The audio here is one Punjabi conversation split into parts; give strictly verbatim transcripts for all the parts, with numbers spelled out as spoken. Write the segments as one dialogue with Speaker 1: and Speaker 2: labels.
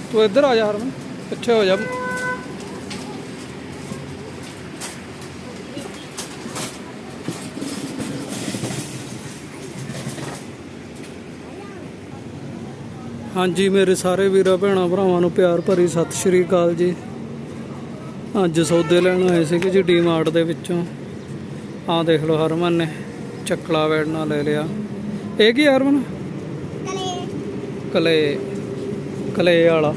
Speaker 1: ਤੂੰ ਇੱਧਰ ਆ ਜਾ ਹਰਮਨ, ਪਿੱਛੇ ਹੋ ਜਾ। ਹਾਂਜੀ ਮੇਰੇ ਸਾਰੇ ਵੀਰਾਂ ਭੈਣਾਂ ਭਰਾਵਾਂ ਨੂੰ ਪਿਆਰ ਭਰੀ ਸਤਿ ਸ਼੍ਰੀ ਅਕਾਲ ਜੀ। ਅੱਜ ਸੌਦੇ ਲੈਣ ਆਏ ਸੀਗੇ ਜੀ ਡੀ ਮਾਰਟ ਦੇ ਵਿੱਚੋਂ। ਆਹ ਦੇਖ ਲਓ ਹਰਮਨ ਨੇ ਚੱਕਲਾ ਵੈੜਨਾ ਲੈ ਲਿਆ। ਇਹ ਕੀ ਹਰਮਨ? ਕਲੇ ਕਲੇ ਵਾਲਾ।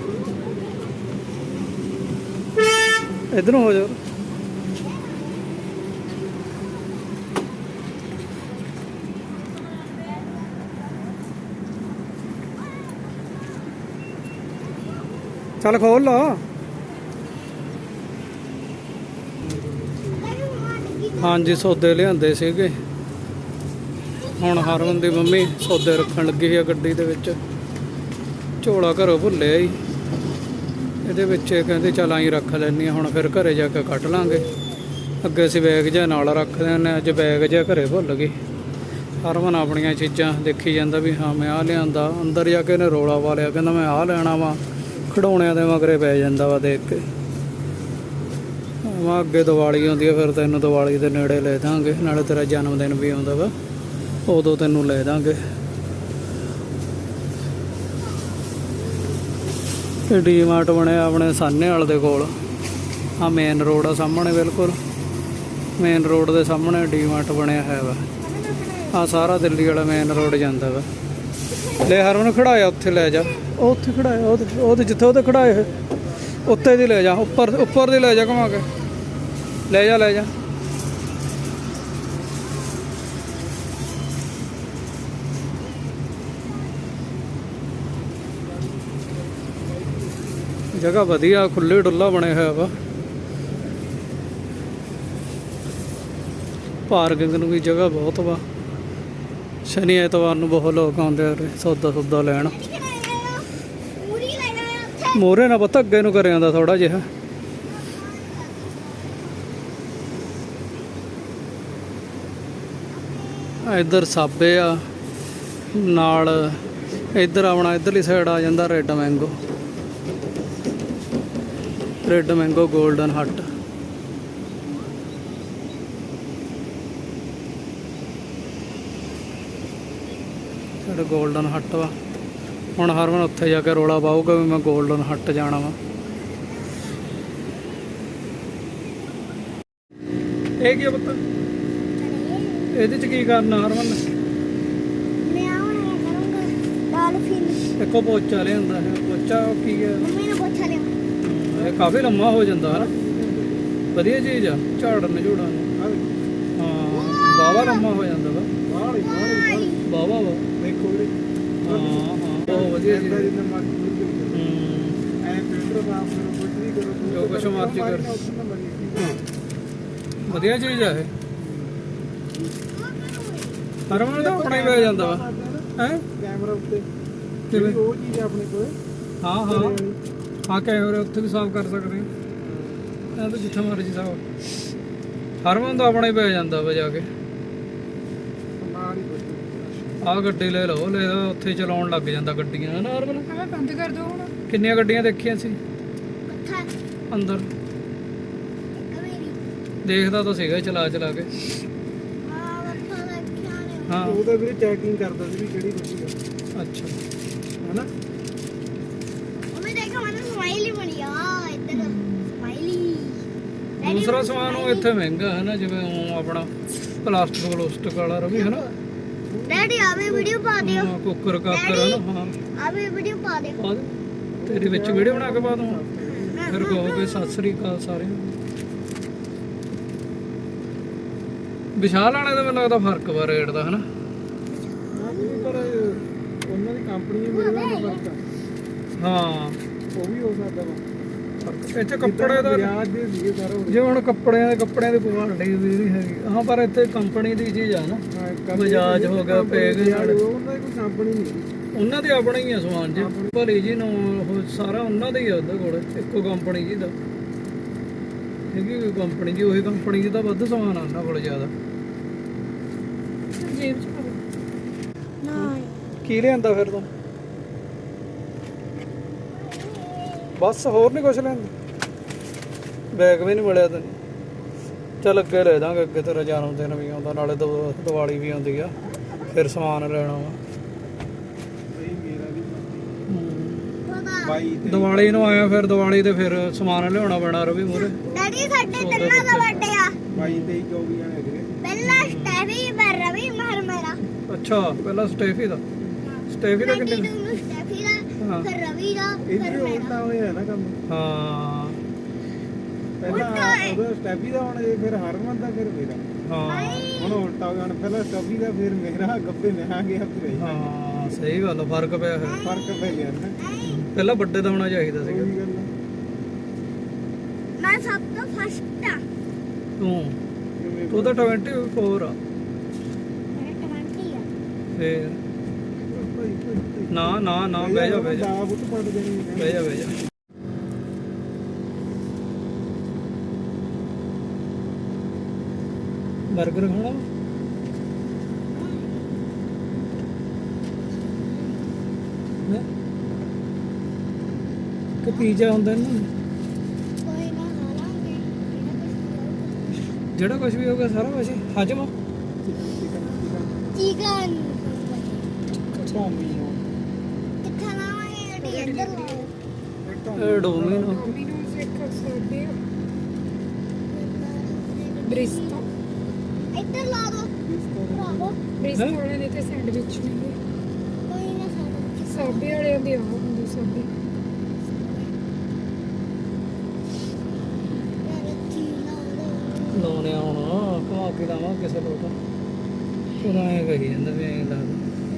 Speaker 1: ਇੱਧਰੋਂ ਹੋ ਜਾ। ਚੱਲ ਖੋਲ ਲਾ। ਹਾਂਜੀ ਸੌਦੇ ਲਿਆਂਦੇ ਸੀਗੇ। ਹੁਣ ਹਰਮਨ ਦੀ ਮੰਮੀ ਸੌਦੇ ਰੱਖਣ ਲੱਗੀ ਆ ਗੱਡੀ ਦੇ ਵਿੱਚ। ਝੋਲਾ ਘਰੋਂ ਭੁੱਲਿਆ ਹੀ, ਇਹਦੇ ਵਿੱਚ ਕਹਿੰਦੇ ਚੱਲ ਆਈ ਰੱਖ ਲੈਂਦੀ ਹਾਂ। ਹੁਣ ਫਿਰ ਘਰੇ ਜਾ ਕੇ ਕੱਢ ਲਾਂਗੇ। ਅੱਗੇ ਅਸੀਂ ਬੈਗ ਜਿਹਾ ਨਾਲ ਰੱਖਦੇ ਹਾਂ, ਅੱਜ ਬੈਗ ਜਿਹਾ ਘਰੇ ਭੁੱਲ ਗਏ। ਹਰਮਨ ਆਪਣੀਆਂ ਚੀਜ਼ਾਂ ਦੇਖੀ ਜਾਂਦਾ ਵੀ ਹਾਂ ਮੈਂ ਆਹ ਲਿਆਂਦਾ। ਅੰਦਰ ਜਾ ਕੇ ਇਹਨੇ ਰੌਲਾ ਪਾ ਲਿਆ, ਕਹਿੰਦਾ ਮੈਂ ਆਹ ਲੈਣਾ ਵਾ। ਖਿਡੌਣਿਆਂ ਦੇ ਮਗਰੇ ਪੈ ਜਾਂਦਾ ਵਾ ਦੇਖ ਕੇ। ਮੈਂ ਅੱਗੇ ਦੀਵਾਲੀ ਆਉਂਦੀ ਆ, ਫਿਰ ਤੈਨੂੰ ਦੀਵਾਲੀ ਦੇ ਨੇੜੇ ਲੈ ਦਾਂਗੇ, ਨਾਲੇ ਤੇਰਾ ਜਨਮ ਦਿਨ ਵੀ ਆਉਂਦਾ ਵਾ, ਉਦੋਂ ਤੈਨੂੰ ਲੈ ਦਾਂਗੇ। ਇਹ ਡੀ ਮਾਰਟ ਬਣਿਆ ਆਪਣੇ ਸਾਹਨੇਵਾਲ ਦੇ ਕੋਲ। ਆਹ ਮੇਨ ਰੋਡ ਆ ਸਾਹਮਣੇ, ਬਿਲਕੁਲ ਮੇਨ ਰੋਡ ਦੇ ਸਾਹਮਣੇ ਡੀ ਮਾਰਟ ਬਣਿਆ ਹੈ ਵਾ। ਆਹ ਸਾਰਾ ਦਿੱਲੀ ਵਾਲਾ ਮੇਨ ਰੋਡ ਜਾਂਦਾ ਵਾ। ਲੈ ਹਰਮਨ ਖੜਾਇਆ ਉੱਥੇ ਲੈ ਜਾ। ਉਹ ਉੱਥੇ ਖੜਾਇਆ, ਉਹਦੇ ਉਹਦੇ ਜਿੱਥੇ ਉਹਦੇ ਖੜਾਏ ਉੱਤੇ ਦੀ ਲੈ ਜਾ। ਉੱਪਰ ਉੱਪਰ ਦੀ ਲੈ ਜਾ ਘੁਮਾ ਕੇ ਲੈ ਜਾ ਲੈ ਜਾ। ਜਗ੍ਹਾ ਵਧੀਆ, ਖੁੱਲ੍ਹੇ ਡੁੱਲਾ ਬਣਿਆ ਹੋਇਆ ਵਾ। ਪਾਰਕਿੰਗ ਨੂੰ ਵੀ ਜਗ੍ਹਾ ਬਹੁਤ ਵਾ। ਸ਼ਨੀ ਐਤਵਾਰ ਨੂੰ ਬਹੁਤ ਲੋਕ ਆਉਂਦੇ ਆ ਸੌਦਾ ਸੌਦਾ ਲੈਣ। ਮੋਹਰੇ ਨਾ ਪਤਾ ਅੱਗੇ ਨੂੰ ਕਰਿਆ ਆਉਂਦਾ ਥੋੜਾ ਜਿਹਾ। ਇੱਧਰ ਸਾਬੇ ਆ ਨਾਲ, ਇੱਧਰ ਆਪਣਾ ਇੱਧਰਲੀ ਸਾਈਡ ਆ ਜਾਂਦਾ red mango. Red mango golden hut. ਸਾਡਾ ਗੋਲਡਨ ਹੱਟ ਵਾ। ਹੁਣ ਹਰਮਨ ਉੱਥੇ ਜਾ ਕੇ ਰੌਲਾ ਪਾਊਗਾ ਵੀ ਮੈਂ ਗੋਲਡਨ ਹੱਟ ਜਾਣਾ ਵਾ। ਇਹ ਕੀ ਪੁੱਤ? ਇਹਦੇ ਚ ਕੀ ਕਰਨਾ ਹਰਮਨ?
Speaker 2: ਮੈਂ ਆਉਣਾ ਕਰੂੰਗਾ ਡਾਲਫਿਨ।
Speaker 1: ਇੱਕੋ ਪੋਚਾ ਲਿਆਂਦਾ ਹੈ। ਪੋਚਾ ਕੀ ਹੈ?
Speaker 2: ਮੰਮੀ ਨੇ ਪੋਚਾ ਲਿਆ।
Speaker 1: ਇਹ ਕਾਫੀ ਲੰਮਾ ਹੋ ਜਾਂਦਾ ਹੈ। ਵਧੀਆ ਚੀਜ਼ ਆ ਝਾੜਨ ਝੂੜਨ। ਹਾਂ ਵਾਹਵਾ ਲੰਮਾ ਹੋ ਜਾਂਦਾ ਵਾ। ਵਾਹਵਾ ਵਾ ਦੇਖੋ ਵੀਰੇ। ਹਾਂ ਹਾਂ ਬਹੁਤ ਵਧੀਆ ਚੀਜ਼। ਜੋ ਕੁਛ ਮਰਜ਼ੀ ਕਰ, ਵਧੀਆ ਚੀਜ਼ ਆ ਇਹ। ਹਰਮਨ ਤਾਂ ਆਪਣਾ ਹੀ ਪੈ ਜਾਂਦਾ ਵਾ ਹੈ ਕੈਮਰਾ ਉੱਤੇ। ਕਿਵੇਂ ਉਹ ਚੀਜ਼ ਆਪਣੇ ਕੋਲ? ਹਾਂ ਹਾਂ ਹਾਂ ਕੈਮਰੇ ਉੱਥੇ ਵੀ ਸਾਫ਼ ਕਰ ਸਕਦੇ ਹਾਂ। ਇਹ ਤਾਂ ਜਿੱਥੇ ਮਰਜ਼ੀ ਸਾਫ਼। ਹਰਮਨ ਤਾਂ ਆਪਣਾ ਹੀ ਪੈ ਜਾਂਦਾ ਵਾ ਜਾ ਕੇ। ਆਹ ਗੱਡੀ ਲੈ ਲਓ, ਲੈ ਉੱਥੇ ਚਲਾਉਣ ਲੱਗ ਜਾਂਦਾ ਗੱਡੀਆਂ ਹੈ ਨਾ ਹਰਮਨ? ਹਾਂ ਬੰਦ ਕਰ ਦਿਓ ਹੁਣ। ਕਿੰਨੀਆਂ ਗੱਡੀਆਂ ਦੇਖੀਆਂ ਸੀ ਅੰਦਰ? ਦੇਖਦਾ ਤਾਂ ਸੀਗਾ ਚਲਾ ਚਲਾ ਕੇ। ਹਾਂ ਉਹ ਤਾਂ ਵੀਰੇ ਚੈਕਿੰਗ ਕਰਦਾ ਸੀ ਵੀ ਕਿਹੜੀ ਗੱਡੀ ਆ। ਅੱਛਾ ਹੈਨਾ?
Speaker 2: ਮੰਮੀ ਦੇਖੋ ਮੈਨੂੰ ਸਮਾਈਲੀ ਬਣੀ ਆ ਇੱਧਰ। ਸਮਾਈਲੀ
Speaker 1: ਦੂਸਰਾ ਸਮਾਨ ਉਹ ਇੱਥੇ ਮਹਿੰਗਾ ਹੈ ਨਾ, ਜਿਵੇਂ ਉਹ ਆਪਣਾ ਪਲਾਸਟਿਕ ਪਲਾਸਟਿਕ ਵਾਲਾ ਰਵੀ ਹੈ ਨਾ।
Speaker 2: ਡੈਡੀ ਆਵੇ ਵੀਡੀਓ ਪਾ ਦਿਓ।
Speaker 1: ਹਾਂ ਕੁੱਕਰ ਕਾਕਰ ਹੈ ਨਾ। ਹਾਂ
Speaker 2: ਆਵੇ ਵੀਡੀਓ ਪਾ ਦਿਓ।
Speaker 1: ਪਾ ਦੇ, ਤੇਰੇ ਵਿੱਚ ਵੀਡੀਓ ਬਣਾ ਕੇ ਪਾ ਦੂੰ। ਫਿਰ ਕਹੋਗੇ ਸਤਿ ਸ੍ਰੀ ਅਕਾਲ ਸਾਰਿਆਂ ਨੂੰ। ਵਿਸ਼ਾਲ ਵਾਲੇ ਦਾ ਮੈਨੂੰ ਲੱਗਦਾ ਫਰਕ ਵਾ ਰੇਟ ਦਾ ਹੈ ਨਾ। ਪਰ ਉਹਨਾਂ ਦੀ ਕੰਪਨੀ ਮੇਰੇ ਨਾਲ ਫਰਕ ਆ। ਹਾਂ ਉਹ ਵੀ ਹੋ ਸਕਦਾ ਵਾ। ਇੱਥੇ ਕੱਪੜੇ ਦਾ ਜੇ ਹੁਣ ਕੱਪੜਿਆਂ ਦੇ ਕੱਪੜਿਆਂ ਦੀ ਕੁਆਲਿਟੀ ਵੀ ਨਹੀਂ ਹੈਗੀ। ਹਾਂ ਪਰ ਇੱਥੇ ਕੰਪਨੀ ਦੀ ਚੀਜ਼ ਆ ਨਾ। ਬਜਾਜ ਹੋ ਗਿਆ, ਪੈਗ, ਉਹਨਾਂ ਦੀ ਕੋਈ ਕੰਪਨੀ ਨਹੀਂ। ਉਹਨਾਂ ਦੇ ਆਪਣਾ ਹੀ ਆ ਸਮਾਨ ਜੀ। ਭਲੀ ਜੀ ਨੂੰ ਉਹ ਸਾਰਾ ਉਹਨਾਂ ਦਾ ਹੀ ਆ ਉਹਦੇ ਕੋਲ। ਇੱਕੋ ਕੰਪਨੀ ਜੀ ਦਾ ਹੈਗੀ ਕੋਈ ਕੰਪਨੀ ਜੀ। ਉਹੀ ਕੰਪਨੀ ਜੀ ਦਾ ਵੱਧ ਸਮਾਨ ਆ ਉਹਨਾਂ ਕੋਲ ਜ਼ਿਆਦਾ। ਕੀ ਲਿਆਂਦਾ ਫਿਰ ਤੂੰ? ਬਸ ਹੋਰ ਨਹੀਂ ਕੁਛ ਲੈਂਦਾ। ਬੈਗ ਵੀ ਨਹੀਂ ਮਿਲਿਆ ਤੈਨੂੰ। ਚੱਲ ਅੱਗੇ ਲੈ ਦਾਂਗੇ, ਅੱਗੇ ਤੇਰਾ ਜਨਮ ਦਿਨ ਵੀ ਆਉਂਦਾ, ਨਾਲੇ ਦਿਵਾ- ਦੀਵਾਲੀ ਵੀ ਆਉਂਦੀ ਆ, ਫਿਰ ਸਮਾਨ ਲੈਣਾ ਵਾ। ਦੀਵਾਲੀ ਨੂੰ ਆਇਆ, ਫਿਰ ਦੀਵਾਲੀ ਤੇ ਫਿਰ ਸਮਾਨ ਲਿਆਉਣਾ ਪੈਣਾ ਰਵੀ ਮੂਹਰੇ।
Speaker 2: ਡੈਡੀ ਸਾਡੇ ਤਿੰਨਾਂ ਦਾ ਬਰਥਡੇ ਆ।
Speaker 1: ਬਾਈ ਤੇਈ ਚੌਵੀ ਆਣੇ ਵੀਰੇ।
Speaker 2: ਪਹਿਲਾ ਸਟੈਫੀ ਪਰ ਰਵੀ ਮਰ ਮੇਰਾ।
Speaker 1: ਅੱਛਾ, ਪਹਿਲਾਂ ਸਟੇਫੀ ਦਾ। ਸਟੇਫੀ ਦਾ ਕਿੰਨੇ?
Speaker 2: ਸਟੈਫੀ ਦਾ, ਫਿਰ ਰਵੀ ਦਾ, ਫਿਰ ਮੇਰਾ।
Speaker 3: ਹੋਇਆ ਨਾ ਕੰਮ।
Speaker 1: ਹਾਂ
Speaker 3: ਪਹਿਲਾਂ ਉਹਦਾ ਸਟੈਫੀ ਦਾ, ਹੁਣ ਇਹ ਫਿਰ ਹਰਮਨ ਦਾ, ਫਿਰ ਮੇਰਾ।
Speaker 1: ਹਾਂ
Speaker 3: ਹੁਣ ਉਲਟਾ ਹੋ ਗਿਆ, ਹੁਣ ਪਹਿਲਾਂ ਸਟੈਫੀ ਦਾ, ਫਿਰ ਮੇਰਾ। ਗੱਬੇ ਮੈਂ ਆ ਗਿਆ ਫਿਰ।
Speaker 1: ਹਾਂ ਸਹੀ ਗੱਲ ਆ, ਫਰਕ ਪਿਆ ਫਿਰ।
Speaker 3: ਫਰਕ ਪੈ ਗਿਆ ਨਾ।
Speaker 1: ਪਹਿਲਾਂ ਵੱਡੇ ਦਾ ਹੋਣਾ ਚਾਹੀਦਾ ਸੀਗਾ।
Speaker 3: ਉਹੀ ਗੱਲ ਆ।
Speaker 2: ਮੈਂ ਸਭ ਤੋਂ ਫਸਟ ਆ।
Speaker 1: ਤੂੰ ਤੂੰ ਤਾਂ ਚੌਵੀ ਆ।
Speaker 2: ਮੇਰਾ ਟਵੰਟੀ ਆ।
Speaker 1: ਫੇਰ ਨਾ ਨਾ ਨਾ ਬਹਿ ਜਾ ਬਹਿ ਜਾ
Speaker 3: ਦਾ ਬੁੱਤ ਪੜ ਦੇਣੀ ਹੈ।
Speaker 1: ਬਹਿ ਜਾ ਬਹਿ ਜਾ। ਬਰਗਰ ਖਾਣਾ ਹੈ ਕਿ ਪੀਜ਼ਾ ਹੁੰਦਾ ਨਾ?
Speaker 2: ਕੋਈ ਨਾ ਖਾ ਲਾਂਗੇ
Speaker 1: ਜਿਹੜਾ ਕੁਝ ਵੀ ਹੋਊਗਾ ਸਾਰਾ ਕੁਝ ਹਜਮ।
Speaker 2: ਚਿਕਨ
Speaker 3: ਚੌਮੀ ਨੂੰ
Speaker 2: ਕਿੱਥੇ ਲਾਵਾਂਗੇ ਗੱਡੀ ਇੱਧਰ ਲਾਓ।
Speaker 1: ਇਹ ਡੋਮੀਨੋ
Speaker 4: ਡੋਮੀਨੋਜ਼ ਇੱਕ ਸਾਡੇ ਬ੍ਰਿਸਟੋ
Speaker 2: ਇੱਧਰ ਲਾ ਦੋ ਭਰਾਵੋ।
Speaker 4: ਬ੍ਰਿਸਟੋ ਵਾਲੇ ਦੇ ਤੇ ਸੈਂਡਵਿਚ ਨੇ
Speaker 2: ਕੋਈ ਨਾ ਖਾਣਾ।
Speaker 4: ਸਾਬੇ ਵਾਲਿਆਂ ਦੇ ਆ ਹੁੰਦੇ ਸਾਬੇ
Speaker 2: ਯਾਰ ਕੀ ਲਾਉਂਦੇ
Speaker 1: ਲਾਉਣੇ ਹੁਣ ਘੁਮਾ ਕੇ ਲਾਵਾਂ ਕਿਸੇ ਲੋਟ। ਤੂੰ ਤਾਂ ਐਂ ਕਹੀ ਜਾਂਦਾ ਵੀ ਐਂ ਲੱਗਦਾ।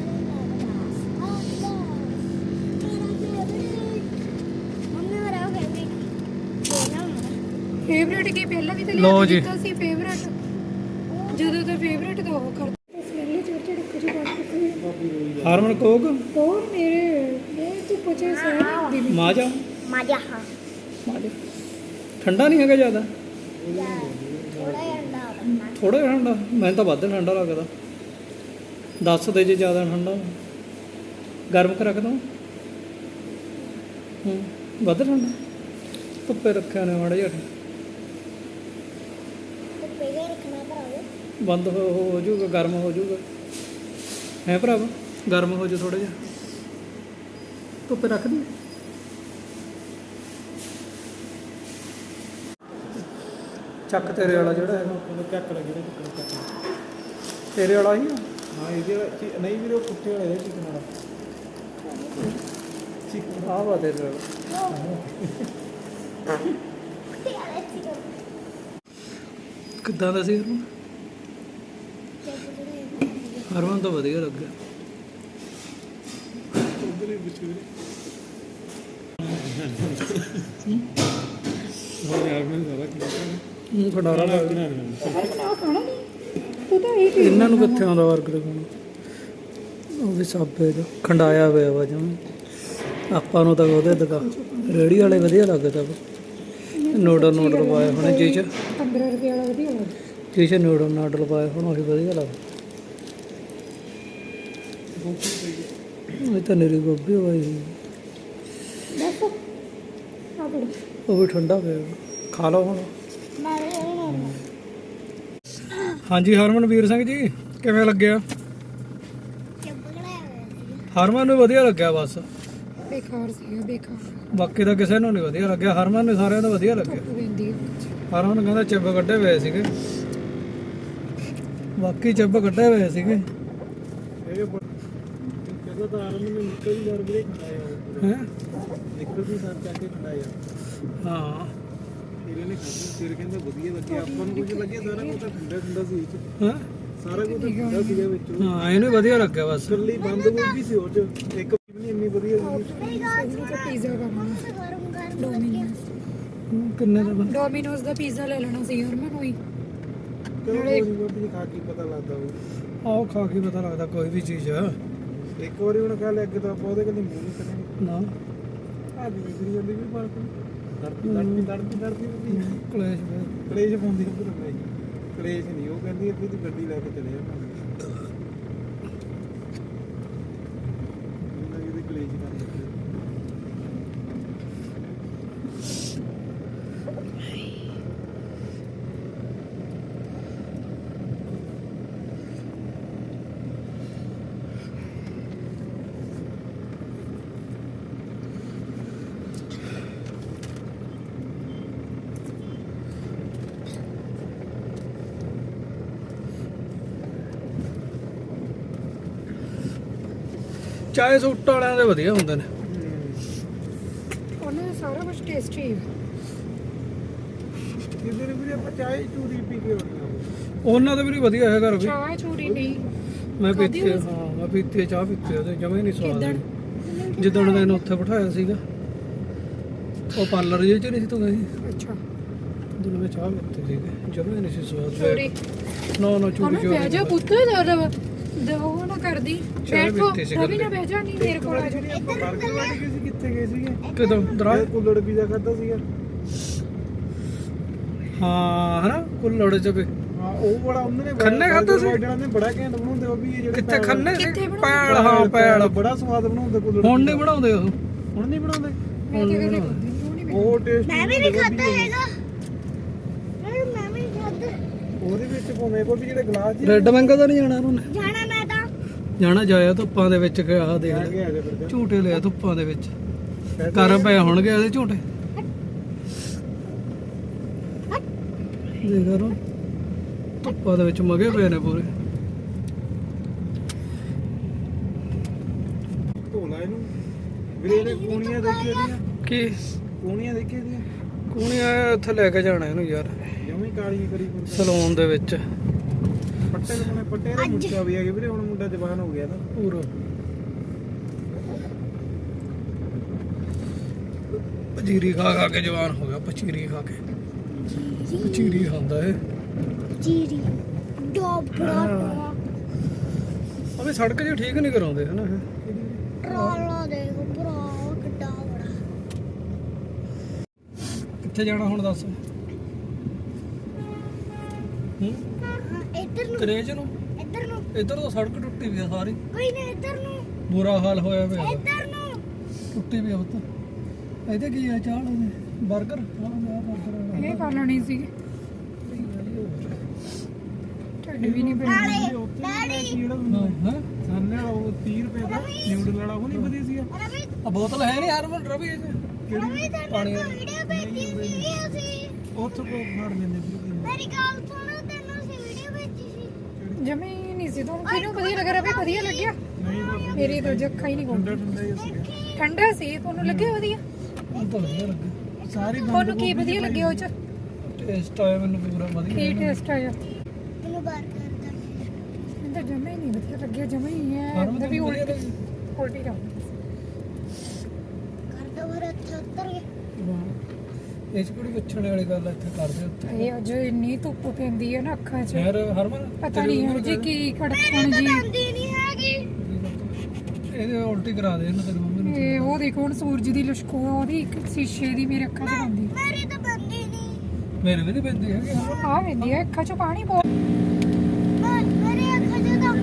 Speaker 4: ਫੇਵਰੇਟ ਕੀ ਪਹਿਲਾਂ ਵੀ ਤਾਂ
Speaker 1: ਲਓ
Speaker 4: ਲਿਆ
Speaker 1: ਜੀ।
Speaker 4: ਦਿੱਤਾ ਸੀ ਫੇਵਰੇਟ। ਜਦੋਂ ਤਾਂ ਫੇਵਰੇਟ ਦਾ ਉਹ ਕਰਦਾ ਸਮੈਲ ਚੜ ਚੜ ਕੁਝ ਬਾਤ
Speaker 1: ਹਾਰਮਨ ਕੋਕ
Speaker 4: ਹੋਰ ਮੇਰੇ ਮੈਂ ਤੂੰ ਪੁੱਛੇ ਸਹਿ ਦੀ
Speaker 1: ਮਾਜਾ
Speaker 2: ਮਾਜਾ ਹਾਂ
Speaker 1: ਮਾਜਾ ਠੰਡਾ ਨਹੀਂ ਹੈਗਾ ਜ਼ਿਆਦਾ,
Speaker 2: ਥੋੜਾ ਜਿਹਾ ਅੰਡਾ
Speaker 1: ਥੋੜਾ ਜਿਹਾ ਠੰਡਾ। ਮੈਨੂੰ ਤਾਂ ਵੱਧ ਠੰਡਾ ਲੱਗਦਾ। ਦੱਸ ਦੇ ਜੇ ਜ਼ਿਆਦਾ ਠੰਡਾ ਗਰਮ ਕਰ ਰੱਖਦਾ। ਹੂੰ ਵੱਧ ਠੰਡਾ ਧੁੱਪੇ ਰੱਖਿਆ ਨੇ ਮਾੜਾ ਜਿਹਾ।
Speaker 2: ਤੇ ਪੇਗੇ ਰੱਖਣਾ ਭਰਾਵੋ।
Speaker 1: ਬੰਦ ਹੋ ਹੋ ਜਾਊਗਾ, ਗਰਮ ਹੋ ਜਾਊਗਾ ਹੈ ਭਰਾਵਾ। ਗਰਮ ਹੋ ਜਾ ਥੋੜਾ ਜਿਹਾ, ਧੁੱਪੇ ਰੱਖ ਦੀ। ਚੱਕ ਤੇਰੇ ਵਾਲਾ ਜਿਹੜਾ ਹੈਗਾ
Speaker 3: ਉਹਨੂੰ ਚੱਕ ਲੈ ਜਿਹੜੇ ਚਿਕਨ ਚੱਕ।
Speaker 1: ਤੇਰੇ ਵਾਲਾ ਹੀ ਆ।
Speaker 3: ਹਾਂ ਇਹਦੇ ਵਾਲਾ ਚੀ- ਨਹੀਂ ਵੀਰੇ, ਉਹ ਕੁੱਤੇ ਵਾਲੇ ਚਿਕਨ ਵਾਲਾ। ਚਿਕਨ
Speaker 1: ਆਹ ਵਾ ਤੇਰੇ ਵਾਲਾ। ਕਿੱਦਾਂ ਦਾ ਸੀ ਹਰਮਨ? ਹਰਮਨ ਤਾਂ ਵਧੀਆ ਲੱਗਿਆ।
Speaker 3: ਉਧਰ ਹੀ ਵਿੱਚ ਵੀਰੇ। ਹੋ ਯਾਰ ਮੈਨੂੰ ਜ਼ਿਆਦਾ ਕੀ
Speaker 1: ਮੂੰਹ ਖਡਾਰਾ ਲੱਗ
Speaker 3: ਕਰਨਾ
Speaker 4: ਆ ਖਾਣਾ ਨਹੀਂ ਤੂੰ ਤਾਂ ਇਹ
Speaker 1: ਇਹਨਾਂ ਨੂੰ ਕਿੱਥੇ ਆਉਂਦਾ ਵਰਗਰ ਖਾਣਾ। ਉਹ ਵੀ ਸਾਬੇ ਦਾ ਖੰਡਾਇਆ ਹੋਇਆ ਵਾ ਜਿਵੇਂ। ਆਪਾਂ ਨੂੰ ਤਾਂ ਉਹਦੇ ਦੁਕਾ ਰੇਹੜੀ ਵਾਲੇ ਵਧੀਆ ਲੱਗਦਾ ਵਾ। ਨੂਡਲ ਨੂਡਲ ਪਾਏ ਹੋਣੇ ਜੀ ਚ,
Speaker 4: ਪੰਦਰਾਂ ਰੁਪਏ ਵਾਲਾ ਵਧੀਆ ਲੱਗਦਾ।
Speaker 1: ਜੀ ਚ ਨੂਡਲ ਨਾਡਲ ਪਾਏ ਹੋਣ ਉਹੀ ਵਧੀਆ ਲੱਗਦਾ। ਇਹ ਤਾਂ ਨਰੀ ਗੋਭੀ ਹੋਈ ਹੋਈ।
Speaker 4: ਬਸ ਆ ਬੜਾ
Speaker 1: ਉਹ ਵੀ ਠੰਡਾ ਪਿਆ ਵਾ। ਖਾ ਲਓ ਹੁਣ।
Speaker 2: ਮਾਰੇ ਇਹਨੂੰ
Speaker 1: ਹਾਂਜੀ ਹਰਮਨ ਵੀਰ ਸਿੰਘ ਜੀ ਕਿਵੇਂ ਲੱਗਿਆ?
Speaker 2: ਚੱਬਗੜਾ ਹੋਇਆ ਸੀ।
Speaker 1: ਹਰਮਨ ਨੂੰ ਵਧੀਆ ਲੱਗਿਆ ਬਸ,
Speaker 4: ਬੇਕਾਰ ਸੀਗਾ ਬੇਕਾਰ।
Speaker 1: ਬਾਕੀ ਤਾਂ ਕਿਸੇ ਨੂੰ ਨਹੀਂ ਵਧੀਆ ਲੱਗਿਆ। ਹਰਮਨ ਨੂੰ ਸਾਰਿਆਂ ਨੂੰ ਵਧੀਆ ਲੱਗਿਆ।
Speaker 4: ਧੁੱਪ ਪੈਂਦੀ ਹੈ
Speaker 1: ਹਰਮਨ ਕਹਿੰਦਾ ਚਿੱਬ ਕੱਢੇ ਹੋਏ ਸੀਗੇ, ਬਾਕੀ ਚਿੱਬ ਕੱਢੇ ਹੋਏ ਸੀਗੇ।
Speaker 3: ਇਹ ਕਹਿੰਦਾ ਤਾਂ ਆਰਮ ਨੇ ਨਿੱਕਲ ਦੀ ਵੀਰੇ ਖਾਇਆ।
Speaker 1: ਹੈ
Speaker 3: ਨਿੱਕਲ ਦੀ ਸਾਰ ਚੱਕ ਕੇ ਖਾਇਆ।
Speaker 1: ਹਾਂ
Speaker 3: ਤੇਰੇ ਨੇ ਖਾਧੀ, ਤੇਰੇ ਕਹਿੰਦਾ ਵਧੀਆ ਲੱਗਿਆ। ਆਪਾਂ ਨੂੰ ਕੁਝ ਲੱਗਿਆ, ਸਾਰਾ ਕੁਝ ਤਾਂ ਠੰਡਾ ਠੰਡਾ ਸੀ ਇਹ 'ਚ।
Speaker 1: ਹੈਂ?
Speaker 3: ਸਾਰਾ ਕੁਝ ਠੰਡਾ ਸੀਗਾ ਵਿੱਚੋਂ।
Speaker 1: ਹਾਂ ਇਹਨੂੰ ਵਧੀਆ ਲੱਗਿਆ ਬਸ।
Speaker 3: ਇਕੱਲੀ ਬੰਦ ਗੋਭੀ ਸੀ ਉਹ 'ਚ, ਇੱਕ ਵੀ ਨਹੀਂ ਇੰਨੀ ਵਧੀਆ ਸੀ।
Speaker 2: ਮੇਰੀ ਗੱਲ
Speaker 4: ਇਹਨੂੰ ਤਾਂ ਪੀਜ਼ਾ ਕਰਨਾ
Speaker 2: ਗਰਮ ਗਰਮ
Speaker 4: ਡੋਮੀਨੋਜ਼
Speaker 1: ਹੂੰ, ਕਿੰਨੇ ਦਾ ਬਣ-
Speaker 4: ਡੋਮੀਨੋਜ਼ ਦਾ ਪੀਜ਼ਾ ਲੈ ਲੈਣਾ ਸੀ ਯਾਰ ਮੈਨੂੰ ਹੀ।
Speaker 3: ਚਲੋ ਕੋਈ ਨੀ, ਗੋਭੀ ਖਾ ਕੇ ਪਤਾ ਲੱਗਦਾ ਉਹ।
Speaker 1: ਆਹ ਖਾ ਕੇ ਪਤਾ ਲੱਗਦਾ ਕੋਈ ਵੀ ਚੀਜ਼ ਆ
Speaker 3: ਇੱਕ ਵਾਰੀ ਹੁਣ ਖਾ ਲਿਆ, ਅੱਗੇ ਤਾਂ ਆਪਾਂ ਉਹਦੇ ਕਦੇ ਮੂੰਹ ਨਹੀਂ ਕਰਾਂਗੇ।
Speaker 1: ਨਾ।
Speaker 3: ਆ ਵੀ ਵਿਗੜੀ ਜਾਂਦੀ ਵੀ ਪਾਲਕ ਦੜਦੀ ਦੜਦੀ ਦੜਦੀ ਦੜਦੀ ਵੀ
Speaker 1: ਕਲੇਸ਼ ਪਿਆ।
Speaker 3: ਕਲੇਸ਼ ਪਾਉਂਦੀ ਉੱਧਰ ਨਹੀਂ। ਕਲੇਸ਼ ਨਹੀਂ, ਉਹ ਕਹਿੰਦੀ ਆ ਵੀ ਤੂੰ ਗੱਡੀ ਲੈ ਕੇ ਚਲੇ ਜਾ ਭਾਵੇਂ। ਇਹਨਾਂ ਕਿਤੇ ਕਲੇਸ਼ ਕਰ ਦਿੱਤੇ।
Speaker 1: ਚਾਹੇ ਸੂਟ ਵਾਲਿਆਂ ਦੇ ਵਧੀਆ ਹੁੰਦੇ ਨੇ।
Speaker 4: ਉਹਨਾਂ ਦਾ ਸਾਰਾ ਕੁਝ ਟੇਸਟੀ ਹੈ।
Speaker 3: ਕਿਤੇ ਨੇ ਵੀਰੇ ਆਪਾਂ ਚਾਹ ਚੂਰੀ ਪੀ ਕੇ ਆਉਣੀ
Speaker 1: ਉਹਨਾਂ ਦੇ ਵੀ ਨੀ ਵਧੀਆ ਹੈ ਘਰ ਵੀ।
Speaker 4: ਚਾਹ ਚੂਰੀ ਨਹੀਂ
Speaker 1: ਮੈਂ
Speaker 4: ਖਾਧੀ
Speaker 1: ਪੀਤੀ
Speaker 4: ਹੋਈ?
Speaker 1: ਹਾਂ ਮੈਂ ਪੀਤੀ ਚਾਹ ਪੀਤੀ ਉਹਦੇ ਜਮਾ ਹੀ ਨਹੀਂ ਸਵਾਦ
Speaker 4: ਕਿੱਦਣ?
Speaker 1: ਆਈ। ਜਿੱਦਣ ਦਾ ਇਹਨੂੰ ਉੱਥੇ ਬਿਠਾਇਆ ਸੀਗਾ ਉਹ ਪਾਰਲਰ ਜਿਹੇ ਚ ਨਹੀਂ ਸੀ ਤੂੰ ਗਈ
Speaker 4: ਅੱਛਾ
Speaker 1: ਜਦੋਂ ਮੈਂ ਚਾਹ ਪੀਤੀ ਸੀਗੀ ਜਮਾ ਹੀ ਨਹੀਂ ਸੀ ਸਵਾਦ।
Speaker 4: ਚੂਰੀ
Speaker 1: ਨਾ ਨਾ ਚੂਰੀ
Speaker 4: ਉਹਨੂੰ ਬਹਿ ਜਾ ਪੁੱਤ ਦਰ ਦਵੋ ਨਾ ਕਰਦੀ
Speaker 1: ਚਾਹ
Speaker 4: ਬੈਠੋ
Speaker 1: ਪੀਤੀ ਸੀ
Speaker 4: ਰਵੀ
Speaker 1: ਗੱਲੇ।
Speaker 4: ਨਾ ਬਹਿ ਜਾ ਨਹੀਂ ਮੇਰੇ ਕੋਲ ਆ ਜਾ।
Speaker 3: ਜਿਹੜੀ ਆਪਾਂ ਬਰਗਰ ਵਾਲੀ ਗਏ ਸੀ ਕਿੱਥੇ ਗਏ ਸੀਗੇ
Speaker 1: ਕਿਦੋਂ ਦਰਾ
Speaker 3: ਇਹ ਕੁੱਲੜ ਪੀਜ਼ਾ ਖਾਦਾ ਸੀਗਾ
Speaker 1: ਹਾਂ ਹਨਾ ਕੁੱਲੜ ਚ ਵੀ
Speaker 3: ਹਾਂ ਉਹ ਬੜਾ ਉਹਨਾਂ ਨੇ
Speaker 1: ਖੰਨੇ ਖਾਧਾ ਸੀ?
Speaker 3: ਜਿਹੜਾ ਨੇ ਬੜਾ ਘੈਂਟ ਬਣਾਉਂਦੇ ਉਹ ਵੀ ਇਹ ਜਿਹੜੇ
Speaker 1: ਕਿੱਥੇ ਖੰਨੇ ਸੀ
Speaker 4: ਕਿੱਥੇ ਬਣਾਉਂਦੇ?
Speaker 1: ਪੈਲ ਹਾਂ ਪੈਲ
Speaker 3: ਬੜਾ ਸਵਾਦ ਬਣਾਉਂਦੇ ਕੁੱਲੜ
Speaker 1: ਹੁਣ ਨਹੀਂ ਬਣਾਉਂਦੇ ਉਹ
Speaker 3: ਹੁਣ ਨਹੀਂ ਬਣਾਉਂਦੇ
Speaker 4: ਮੈਂ ਤੇ ਕਦੇ ਖਾਧੀ ਨੀ, ਉਹ ਨਹੀਂ
Speaker 3: ਉਹ ਟੇਸਟ
Speaker 2: ਮੈਂ ਵੀ ਨਹੀਂ ਖਾਦਾ ਹੈਗਾ ਮੈਂ ਮੈਂ ਵੀ ਨਹੀਂ ਖਾਦਾ
Speaker 3: ਉਹਦੇ ਵਿੱਚ ਭਾਵੇਂ ਕੋਈ ਵੀ ਜਿਹੜੇ ਗਲਾਸ ਜੀ
Speaker 1: ਰੈੱਡ ਮੈਂਗੋ ਤਾਂ ਨਹੀਂ ਜਾਣਾ ਉਹਨੇ
Speaker 2: ਜਾਣਾ ਮੈਂ ਤਾਂ
Speaker 1: ਜਾਣਾ ਜਾਇਆ ਧੁੱਪਾਂ ਦੇ ਵਿੱਚ ਕਿ ਆਹ ਦੇਖ
Speaker 3: ਆ
Speaker 1: ਲੈ
Speaker 3: ਗਿਆ ਜੇ ਫਿਰ
Speaker 1: ਝੂਟੇ ਲਿਆ ਧੁੱਪਾਂ ਦੇ ਵਿੱਚ ਕਰ ਪਏ ਹੋਣਗੇ ਇਹਦੇ ਝੂਟੇ ਦੇਖ ਰੋ ਧੁੱਪਾਂ ਦੇ ਵਿੱਚ ਮਗੇ ਪਏ ਨੇ ਪੂਰੇ।
Speaker 3: ਧੋਲਾ ਇਹਨੂੰ ਵੀਰੇ ਨੇ ਕੂਣੀਆਂ ਦੇਖੀਆਂ ਦੀਆਂ
Speaker 1: ਕੀ
Speaker 3: ਕੂਣੀਆਂ ਦੇਖੀਆਂ ਦੀਆਂ
Speaker 1: ਕੂਣੀਆਂ ਉੱਥੇ ਲੈ ਕੇ ਜਾਣਾ ਇਹਨੂੰ ਯਾਰ
Speaker 3: ਜਮੀ ਕਾਲੀ ਕਰੀ ਕੋਈ
Speaker 1: ਸਲੂਨ ਦੇ ਵਿੱਚ
Speaker 3: ਪੱਟੇ ਲਗਾਉਣੇ ਪੱਟੇ ਦੇ ਮੁੱਛਾ ਵੀ ਹੈਗੇ ਵੀਰੇ ਹੁਣ ਮੁੰਡਾ ਜਵਾਨ ਹੋ ਗਿਆ ਨਾ
Speaker 1: ਪੂਰਾ ਪਚੀਰੀ ਖਾ ਖਾ ਕੇ ਜਵਾਨ ਹੋ ਗਿਆ ਪਚੀਰੀ ਖਾ ਕੇ ਪਚੀਰੀ ਖਾਂਦਾ ਇਹ
Speaker 2: ਜੀਰੀ ਡੋਬੜਾ
Speaker 1: ਅਬੇ ਸੜਕ ਜੀ ਠੀਕ ਨਹੀਂ ਕਰਾਉਂਦੇ ਹਨਾ ਇਹ
Speaker 2: ਟਰਾਲਾ ਦੇਖੋ ਭਰਾ ਕਿੱਡਾ ਬੜਾ
Speaker 1: ਕਿੱਥੇ ਜਾਣਾ ਹੁਣ ਦੱਸ ਹੂੰ
Speaker 2: ਹਾਂ ਇੱਧਰ ਨੂੰ
Speaker 1: ਕਰੇਜ ਨੂੰ
Speaker 2: ਇੱਧਰ ਨੂੰ
Speaker 1: ਇੱਧਰ ਤਾਂ ਸੜਕ ਟੁੱਟੀ ਵੀ ਆ ਸਾਰੀ
Speaker 2: ਕੋਈ ਨਾ ਇੱਧਰ ਨੂੰ
Speaker 1: ਬੁਰਾ ਹਾਲ ਹੋਇਆ ਪਿਆ
Speaker 2: ਇੱਧਰ ਨੂੰ
Speaker 1: ਟੁੱਟੀ ਵੀ ਆ ਪੁੱਤ ਇਹਦੇ ਕੀ ਆ ਚਾਹ ਲੈਣੇ 버ਗਰ ਹਾਂ ਆ 버ਗਰ
Speaker 4: ਇਹ ਖਾ ਲੈਣੀ ਸੀ ਢਿੱਡ ਵੀ ਨਹੀਂ ਪੈਣਾ
Speaker 2: ਨਾਲੇ
Speaker 3: ਉੱਥੇ
Speaker 2: ਡੈਡੀ
Speaker 3: ਜਿਹੜਾ
Speaker 1: ਹਾਂ
Speaker 3: ਸਾਨੇ ਵਾਲਾ ਉਹ ਤੀਹ ਰੁਪਏ ਦਾ ਨਿਊਡਲ ਵਾਲਾ ਉਹ ਨਹੀਂ ਵਧੀਆ ਸੀਗਾ
Speaker 2: ਰਵੀ
Speaker 1: ਆ ਬੋਤਲ ਹੈ ਨਹੀਂ ਹਰਮਨ ਰਵੀ ਇਹ 'ਚ?
Speaker 2: ਰਵੀ
Speaker 1: ਪਾਣੀ
Speaker 2: ਤੈਨੂੰ ਵੀਡੀਓ ਭੇਜੀ ਸੀ ਅਸੀਂ
Speaker 3: ਉੱਥੋਂ ਕੋ ਫੜ ਲੈਂਦੇ ਵੀਰੇ
Speaker 2: ਮੇਰੀ ਗੱਲ ਸੁਣ ਤੈਨੂੰ ਅਸੀਂ ਵੀਡੀਓ ਭੇਜੀ ਸੀ
Speaker 4: ਜਮੇ ਹੀ ਨਹੀਂ ਸੀ ਤੁਹਾਨੂੰ ਕਿਹਨੂੰ ਵਧੀਆ ਲੱਗ ਰਿਹਾ ਵੀ ਵਧੀਆ ਲੱਗਿਆ
Speaker 3: ਨਹੀਂ ਭਾਬੀ
Speaker 4: ਮੇਰੀ ਤਾਂ ਜੱਖਾ ਹੀ ਨਹੀਂ
Speaker 3: ਠੰਡਾ
Speaker 4: ਕੋਲ
Speaker 3: ਠੰਡਾ ਹੀ ਸੀਗਾ
Speaker 4: ਠੰਡਾ ਸੀ ਤੁਹਾਨੂੰ ਲੱਗਿਆ ਵਧੀਆ
Speaker 1: ਮੈਨੂੰ ਤਾਂ ਵਧੀਆ ਲੱਗਾ
Speaker 3: ਸਾਰੀ
Speaker 4: ਤੁਹਾਨੂੰ ਕੀ ਵਧੀਆ ਲੱਗਿਆ ਉਹ ਚ
Speaker 1: ਟੇਸਟ ਆਇਆ ਮੈਨੂੰ ਪੂਰਾ ਵਧੀਆ
Speaker 4: ਕੀ ਟੇਸਟ ਆਇਆ
Speaker 2: ਮੈਨੂੰ ਬਾਰ ਕਰਦਾ
Speaker 4: ਮੈਨੂੰ ਤਾਂ ਜਮੇ ਹੀ ਨਹੀਂ ਵਧੀਆ ਲੱਗਿਆ ਜਮੇ ਹੀ ਹੈ
Speaker 1: ਹਰਮਨ
Speaker 4: ਉਹਦਾ ਵੀ
Speaker 1: ਤੈਨੂੰ ਵਧੀਆ
Speaker 4: ਉਲਟੀ ਉਲਟੀ ਜਾ
Speaker 2: ਕਰਦਾ ਭਰ ਇੱਥੇ ਉੱਤਰ ਗਿਆ
Speaker 1: ਲੱਗੀ? ਇਹ 'ਚ ਕਿਹੜੀ ਪੁੱਛਣ ਵਾਲੀ ਗੱਲ ਆ ਇੱਥੇ ਕਰਦੇ ਉੱਤੇ
Speaker 4: ਇਹ ਅੱਜ ਇੰਨੀ ਧੁੱਪ ਪੈਂਦੀ ਹੈ ਨਾ ਅੱਖਾਂ 'ਚ
Speaker 1: ਯਾਰ ਹਰਮਨ
Speaker 4: ਪਤਾ ਨਹੀਂ ਹੈ ਜੀ ਕੀ ਕੜਕਣ ਜੀ
Speaker 2: ਆਂਦੀ ਨਹੀਂ ਹੈਗੀ
Speaker 1: ਇਹਦੇ ਉਲਟੀ ਕਰਾ ਦੇ ਇਹਨੂੰ ਤੇਰੀ ਮੰਮੀ ਨੂੰ
Speaker 4: ਇਹ ਉਹ ਦੇਖੋ ਹੁਣ ਸੂਰਜ ਦੀ ਲਸ਼ਕੋ ਉਹਦੀ ਇੱਕ ਸ਼ੀਸ਼ੇ ਦੀ ਮੇਰੇ ਅੱਖਾਂ 'ਚ ਆਉਂਦੀ
Speaker 2: ਮੇਰੀ ਤਾਂ ਬੰਦੀ ਨਹੀਂ
Speaker 1: ਮੇਰੇ ਵੀ ਨਹੀਂ ਪੈਂਦੀ ਹੈਗੀ ਹਰਮਨ
Speaker 4: ਆ ਪੈਂਦੀ ਹੈ ਅੱਖਾਂ 'ਚ ਪਾਣੀ ਬਹੁਤ
Speaker 2: ਮੈਂ ਮੇਰੇ ਅੱਖਾਂ 'ਚ ਤਾਂ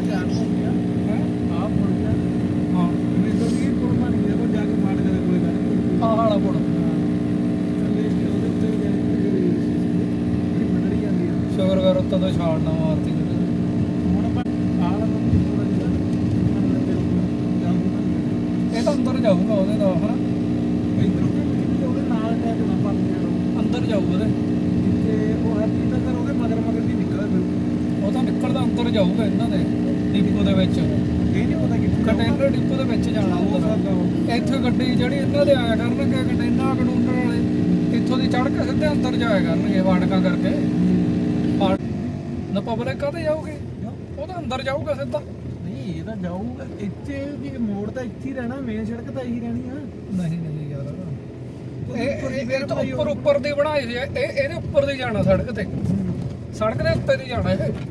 Speaker 3: ਆਪ ਮੁੜ ਗਿਆ
Speaker 1: ਹਾਂ
Speaker 3: ਮੈਨੂੰ ਤਾਂ ਇਹ ਕੋਲ ਮਾਰ ਗਿਆ ਉਹ ਜਾ ਕੇ ਫਾੜ ਕੇ ਕੋਈ ਗੱਲ
Speaker 1: ਆਹ ਵਾਲਾ ਪੁੜ
Speaker 3: ਥੱਲੇ ਉਹਦੇ ਉੱਤੇ ਜਾ ਕੇ ਜਿਹੜੀ ਮੰਡੜੀ ਜਾਂਦੀ ਆ
Speaker 1: ਸ਼ੁਕਰ ਕਰ ਉੱਤੋਂ ਤੋਂ ਛਾਲ ਨਾ ਮਾਰਤੀ ਕਿਤੇ।
Speaker 3: ਹੁਣ ਆਪਾਂ ਆਹ ਵਾਲਾ ਤਾਂ ਥੋੜਾ ਜਿਹਾ ਮੰਨ ਲੈ ਜਾਊਗਾ
Speaker 1: ਇਹ ਤਾਂ ਅੰਦਰ ਜਾਊਗਾ ਉਹਦੇ ਦਾ ਹਨਾ
Speaker 3: ਇਧਰੋਂ ਕਿ ਉਹਦੇ ਨਾਲ ਟੈਕ ਨਾ ਪਾ ਦੇ
Speaker 1: ਅੰਦਰ ਜਾਊਗਾ ਉਹਦੇ
Speaker 3: ਜਿੱਥੇ ਉਹ ਹੈਪੀ ਦਾ ਘਰ ਉਹਦੇ ਮਗਰ ਮਗਰ ਦੀ ਨਿਕਲਦਾ ਫਿਰ
Speaker 1: ਉਹ ਤਾਂ ਨਿਕਲਦਾ ਅੰਦਰ ਜਾਊਗਾ ਇਹਨਾਂ ਦੇ ਡਿਪੋ ਦੇ ਵਿੱਚ
Speaker 3: ਇਹ ਨਹੀਂ ਪਤਾ ਕਿੱਥੇ
Speaker 1: ਕੰਟੇਨਰ ਡਿਪੋ ਦੇ ਵਿੱਚ ਜਾਣਾ ਹੁੰਦਾ ਇੱਥੇ ਗੱਡੀ ਜਿਹੜੀ ਇਹਨਾਂ ਦੇ ਆਇਆ ਕਰਨਗੇ ਕੰਟੇਨਰ ਕੰਟੂਨਰ ਵਾਲੇ ਇੱਥੋਂ ਦੀ ਚੜ੍ਹ ਕੇ ਸਿੱਧੇ ਅੰਦਰ ਜਾਇਆ ਕਰਨਗੇ ਫਾਟਕਾਂ ਕਰਕੇ ਫਾਟ ਨਾ ਪਬਲਿਕ ਕਾਹਤੇ ਜਾਊਗੀ ਉਹ ਤਾਂ ਅੰਦਰ ਜਾਊਗਾ ਸਿੱਧਾ
Speaker 3: ਨਹੀਂ ਇਹ ਤਾਂ ਜਾਊਗਾ ਇੱਥੇ ਵੀ ਮੋੜ ਤਾਂ ਇੱਥੇ ਹੀ ਰਹਿਣਾ ਮੇਨ ਸੜਕ ਤਾਂ ਇਹੀ ਰਹਿਣੀ ਆ
Speaker 1: ਨਹੀਂ ਨਹੀਂ ਯਾਰ ਇਹ ਇਹ ਇਹ ਤਾਂ ਉੱਪਰ ਉੱਪਰ ਦੀ ਬਣਾਈ ਹੋਈ ਹੈ ਇਹ ਇਹਦੇ ਉੱਪਰ ਦੀ ਜਾਣਾ ਸੜਕ ਤੇ ਸੜਕ ਦੇ ਉੱਤੇ ਦੀ ਜਾਣਾ ਇਹ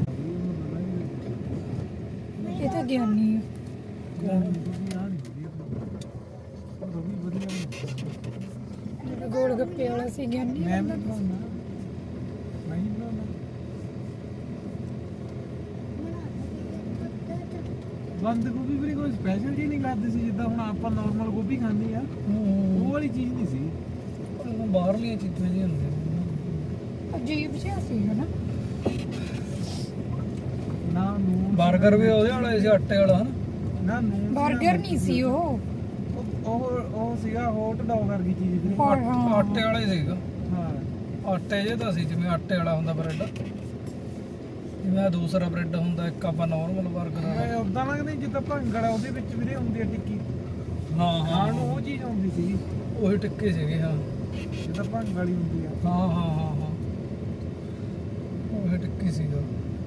Speaker 4: ਇਹ ਤਾਂ ਗਿਆਨੀ ਹੈ ਜਿਹੜਾ ਗੋਲ ਗੱਪੇ ਵਾਲਾ ਸੀ ਗਿਆਨੀ
Speaker 3: ਮੈਂ
Speaker 4: ਬੰਦਾ।
Speaker 3: ਵੀ ਬਣਾਉਣਾ ਮੈਂ ਹੀ ਬਣਾਉਣਾ ਬੰਦ ਗੋਭੀ ਵੀ ਕੋਈ ਸਪੈਸ਼ਲ ਚੀਜ਼ ਨਹੀਂ ਕਰਦੇ ਸੀ ਜਿੱਦਾਂ ਹੁਣ ਆਪਾਂ ਨਾਰਮਲ ਗੋਭੀ ਖਾਂਦੇ ਆ ਉਹ ਵਾਲੀ ਚੀਜ਼ ਨਹੀਂ ਸੀ
Speaker 1: ਬਾਹਰਲੀਆਂ ਚੀਜ਼ਾਂ ਜੀ ਹੁੰਦੀਆਂ
Speaker 4: ਅਜੀਬ ਜਿਹਾ ਸੀ ਹਨਾ
Speaker 3: ਨਾ ਨੂਨ
Speaker 1: 버ਗਰ ਵੀ ਉਹਦੇ ਵਾਲਾ ਸੀ ਆਟੇ ਵਾਲਾ ਹਨਾ
Speaker 3: ਨਾ ਨੂਨ
Speaker 4: 버ਗਰ ਨਹੀਂ ਸੀ ਉਹ
Speaker 3: ਉਹ ਉਹ ਸੀਗਾ ਹੌਟ ਡੌਗ ਵਰਗੀ ਚੀਜ਼ ਸੀ
Speaker 4: ਹਾਂ, ਹਾਂ।
Speaker 1: ਆਟੇ ਵਾਲਾ ਹੀ ਸੀਗਾ
Speaker 3: ਹਾਂ
Speaker 1: ਆਟੇ ਜੇ ਤਾਂ ਸੀ ਜਿਵੇਂ ਆਟੇ ਵਾਲਾ ਹੁੰਦਾ ਬ੍ਰੈਡ ਜਿਵੇਂ ਆਹ ਦੂਸਰਾ ਬ੍ਰੈਡ ਹੁੰਦਾ, ਇੱਕ ਆਪਾਂ ਨਾਰਮਲ 버ਗਰ ਆ।
Speaker 3: ਮੈਂ ਉਦਾਂ ਲੱਗਦਾ ਜਿੱਦਾਂ ਭੰਗੜ ਆ ਉਹਦੇ ਵਿੱਚ ਵੀਰੇ ਹੁੰਦੀ ਆ ਟਿੱਕੀ,
Speaker 1: ਹਾਂ ਹਾਂ
Speaker 3: ਖਾਣ ਨੂੰ ਉਹ ਚੀਜ਼ ਹੁੰਦੀ ਸੀ
Speaker 1: ਉਹੀ ਟਿੱਕੇ ਸੀਗੇ। ਹਾਂ
Speaker 3: ਜਿੱਦਾਂ ਭੰਗ ਵਾਲੀ ਹੁੰਦੀ ਆ।
Speaker 1: ਹਾਂ ਹਾਂ ਹਾਂ ਹਾਂ ਉਹੀ ਟਿੱਕੀ ਸੀਗਾ।